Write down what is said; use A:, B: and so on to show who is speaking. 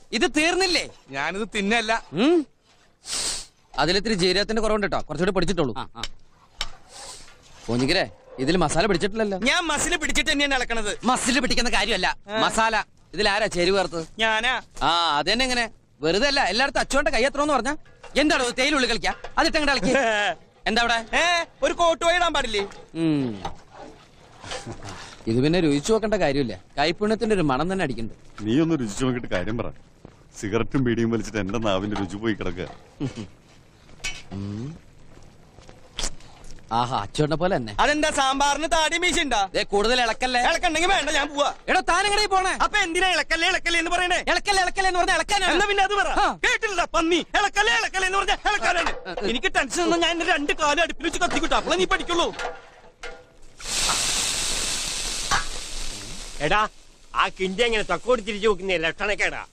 A: ഇത് തീർന്നില്ലേ?
B: ഞാനിത് തിന്നല്ല.
A: അതിലിത്തിരി ജീരകത്തിന്റെ കുറവുണ്ട് കേട്ടോ, കുറച്ചുകൂടി പിടിച്ചിട്ടുള്ളൂ. പോഞ്ഞിക്കരെ, ഇതിൽ മസാല പിടിച്ചിട്ടില്ലല്ലോ.
B: ഞാൻ മസില് പിടിച്ചിട്ട് തന്നെയാണ് ഇളക്കണത്.
A: മസില് പിടിക്കുന്ന കാര്യമല്ല, മസാല. ഇതിലാരാ ചേരുവ ചേർത്ത്?
B: ഞാനാ.
A: അതെന്നെ. എങ്ങനെ വെറുതെ അല്ല, എല്ലായിടത്തും അച്ചുകൊണ്ട് കൈ എത്രയെന്ന് പറഞ്ഞാ എന്താണോ തേയിലുള്ളിൽ കളിക്കാ? അതിട്ടങ്ങടെ കളിക്ക. എന്താ അവിടെ
B: ഒരു കോട്ടുവായി ഇടാൻ പാടില്ലേ?
A: ഇത് പിന്നെ രുചിച്ചു നോക്കേണ്ട കാര്യമില്ല, കൈപ്പുണ്യത്തിന്റെ ഒരു മണം തന്നെ അടിക്കുന്നുണ്ട്.
C: നീ ഒന്ന് രുചിച്ചു നോക്കിട്ട് കാര്യം പറ. സിഗരറ്റും ബീഡിയും വലിച്ചിട്ട് എന്റെ നാവിന്റെ രുചി പോയി കിടക്കുക.
A: ആഹാ, അച്ചുകൊണ്ട പോലെ തന്നെ.
B: അതെന്താ സാമ്പാറിന് താടി മീശുണ്ടാ?
A: കൂടുതൽ ഇളക്കല്ലേ.
B: ഇളക്കണ്ടെങ്കിൽ വേണ്ട, ഞാൻ പോവാ.
A: എടോ, താനെങ്ങനെ പോണേ?
B: അപ്പൊ എന്തിനാ ഇളക്കല്ലേ ഇളക്കല്ലേ എന്ന് പറയണേ?
A: ഇളക്കല്ലേ ഇളക്കല്ലേ എന്ന് പറഞ്ഞാൽ ഇളക്കാനാണ്.
B: പിന്നെ അത് പറ. കേട്ടില്ല പന്നി. ഇളക്കല്ലേ ഇളക്കല്ലേ എന്ന് പറഞ്ഞാൽ ഇളക്കാനാണ്. എനിക്ക് ടെൻഷൻ ഒന്നും, ഞാൻ 2 കാലം അടുപ്പിൽ വെച്ച് കത്തിക്കിട്ടു, അപ്പൊ നീ പഠിക്കുള്ളൂ.
D: എടാ, ആ കിണ്ടി എങ്ങനെ തൊക്കോട് തിരിച്ചു നോക്കുന്ന ലക്ഷണക്കേടാ.